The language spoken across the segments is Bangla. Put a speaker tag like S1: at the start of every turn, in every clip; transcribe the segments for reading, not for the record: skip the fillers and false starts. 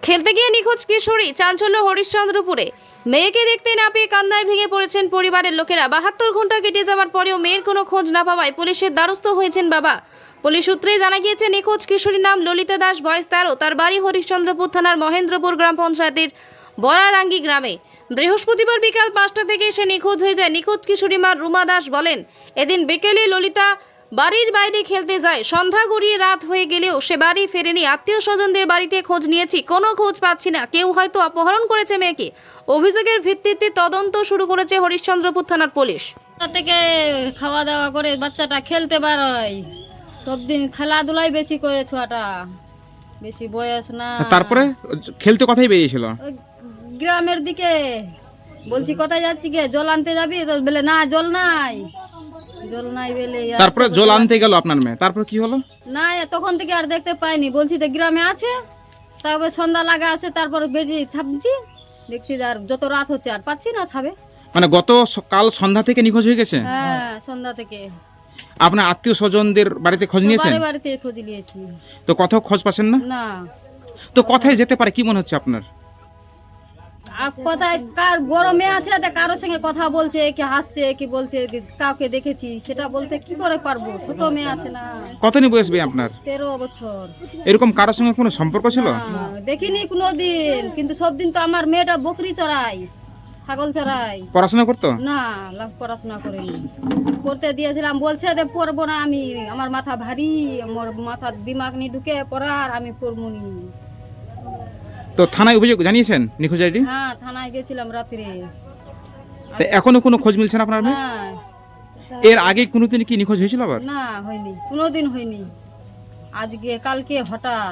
S1: খেলতে গিয়ে নিখোঁজ কিশোরী, চাঞ্চল্য হরিশ্চন্দ্রপুরে। মেয়েকে দেখতে না পেয়ে কান্নায় ভেঙে পড়েছেন পরিবারের লোকেরা। 72 ঘন্টা কেটে যাওয়ার পরেও মেয়ের কোনো খোঁজ না পাওয়ায় পুলিশের দ্বারস্থ হয়েছেন বাবা। পুলিশ সূত্রে জানা গিয়েছে, নিখোঁজ কিশোরীর নাম ললিতা দাস, বয়স 13। তার বাড়ি হরিশ্চন্দ্রপুর থানার মহেন্দ্রপুর গ্রাম পঞ্চায়েতের বরারাঙ্গি গ্রামে। বৃহস্পতিবার বিকাল 5টা থেকে সে নিখোঁজ হয়ে যায়। নিখোঁজ কিশোরী মা রুমা দাস বলেন, এদিন বিকেলে ললিতা বাড়ির বাইরে খেলতে যায়। সন্ধ্যা গড়িয়ে রাত হয়ে গেলেও সে বাড়ি ফেরেনি। আত্মীয় স্বজনদের বাড়িতে খোঁজ নিয়েছি, কোনো খোঁজ পাচ্ছি না। কেউ হয়তো অপহরণ করেছে মেয়েকে। অভিযোগের ভিত্তিতে তদন্ত শুরু করেছে হরিশ্চন্দ্রপুর থানার পুলিশ।
S2: থেকে খাওয়া দাওয়া করে বাচ্চাটা খেলতে পারয়, সব দিন খেলাধুলাই বেশি করে, ছোয়াটা বেশি বয়স না।
S3: তারপরে খেলতে কোথায় বেরিয়েছিল?
S2: ওই গ্রামের দিকে। বলছি কোথায় যাচ্ছি গে, জল আনতে যাবি? তো বলে না, জল নাই, জল নাই বলে।
S3: তারপরে জল আনতে গেল আপনার মেয়ে, তারপর কি হলো?
S2: না, তখন থেকে আর দেখতে পাইনি। বলছি তো গ্রামে আছে, তারপরে সন্ধ্যা লাগা আছে, তারপর বেরিয়ে ছাপছি, দেখছি আর যত রাত হচ্ছে আর পাচ্ছি না ছাবে।
S3: মানে কাল সন্ধ্যা থেকে নিখোঁজ হয়ে গেছে?
S2: হ্যাঁ, সন্ধ্যা থেকে।
S3: আপনার আত্মীয় স্বজনদের বাড়িতে খোঁজ নিয়েছেন?
S2: বাড়িতে খোঁজ নিয়েছি,
S3: তো কোথাও খোঁজ পাচ্ছেন না?
S2: না।
S3: তো কোথায় যেতে পারে কি মনে হচ্ছে আপনার?
S2: আর কোথায় কার বড় মেয়ে আছে, কারোর সঙ্গে কথা বলছে, কি হাসছে, কি বলছে, কাউকে দেখেছি সেটা বলতে কি করে পারবো? ছোট মেয়ে আছে না।
S3: কতদিন বয়স ভাই আপনার?
S2: 13 বছর।
S3: এরকম কারোর সঙ্গে কোনো সম্পর্ক ছিল?
S2: না, দেখিনি কোনোদিন। কিন্তু সব দিন তো আমার মেয়েটা বকরি চড়ায়, ছাগল চড়ায়।
S3: পড়াশোনা করতো?
S2: না, পড়াশোনা করিনি। করতে দিয়েছিলাম, বলছে যে পড়বো না আমি, আমার মাথা ভারী, আমার মাথার দিমাগ নিয়ে ঢুকে পড়ার, আমি পড়বো নি।
S3: তো থানায় অভিযোগ জানিয়েছেন নিখোঁজ আইডি?
S2: হ্যাঁ, থানায় গেছিলাম রাত্রে।
S3: তো এখনো কোনো খোঁজ মিলছে না আপনার মেয়ে?
S2: হ্যাঁ।
S3: এর আগে কোনোদিন কি নিখোঁজ হয়েছিল আবার?
S2: না, হয়নি, কোনোদিন হয়নি। আজকে কালকে হঠাৎ।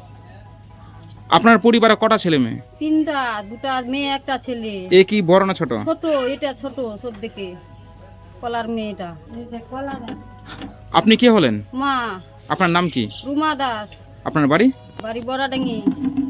S3: আপনার পরিবারে কটা ছেলে মেয়ে?
S2: 3টা, 2টা মেয়ে, একটা ছেলে।
S3: এ কি বড় না ছোট?
S2: ছোট, এটা ছোট সব থেকে, কলার মেয়েটা।
S3: আপনি কে হলেন?
S2: মা।
S3: আপনার নাম কি?
S2: রুমা দাস।
S3: আপনার বাড়ি?
S2: বাড়ি বড়াডাঙ্গি।